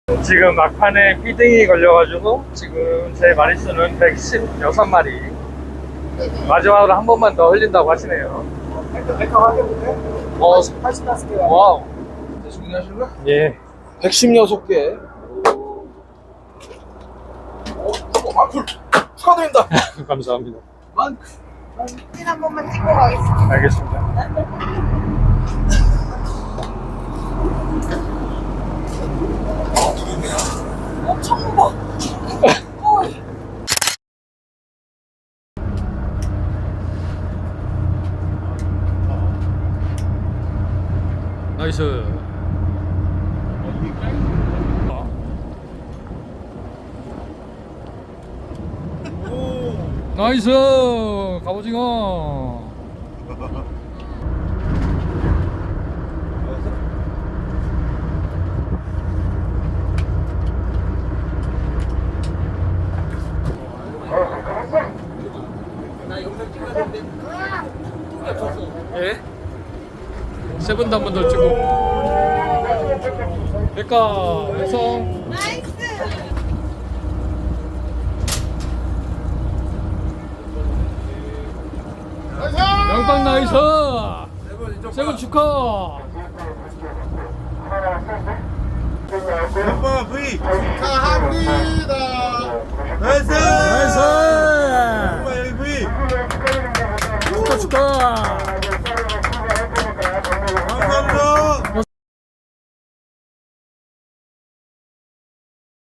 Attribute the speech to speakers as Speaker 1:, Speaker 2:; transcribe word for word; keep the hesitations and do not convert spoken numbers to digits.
Speaker 1: 지금 막판에 피딩이 걸려가지고 지금 제 마리수는 백십육 마리. 마지막으로 한 번만 더 흘린다고 하시네요.
Speaker 2: 백화 하겠는데?
Speaker 1: 어,
Speaker 2: 팔십다섯 개.
Speaker 1: 와우.
Speaker 2: 주문하시는 거야?
Speaker 1: 예.
Speaker 2: 백십육 개. 어, 어, 만풀 축하드립니다.
Speaker 1: 감사합니다.
Speaker 2: 만.
Speaker 3: 사진 한 번만 찍고 가겠습니다.
Speaker 1: 알겠습니다.
Speaker 3: 엄청 무거워.
Speaker 1: 나이스. 나이스 갑오징어. 예? 세븐도 한 번 더 찍고. 백가 완성.
Speaker 3: 나이스.
Speaker 1: 양빵 나이스. 세븐 축하.
Speaker 4: 한번 V 축하합니다. 나이스.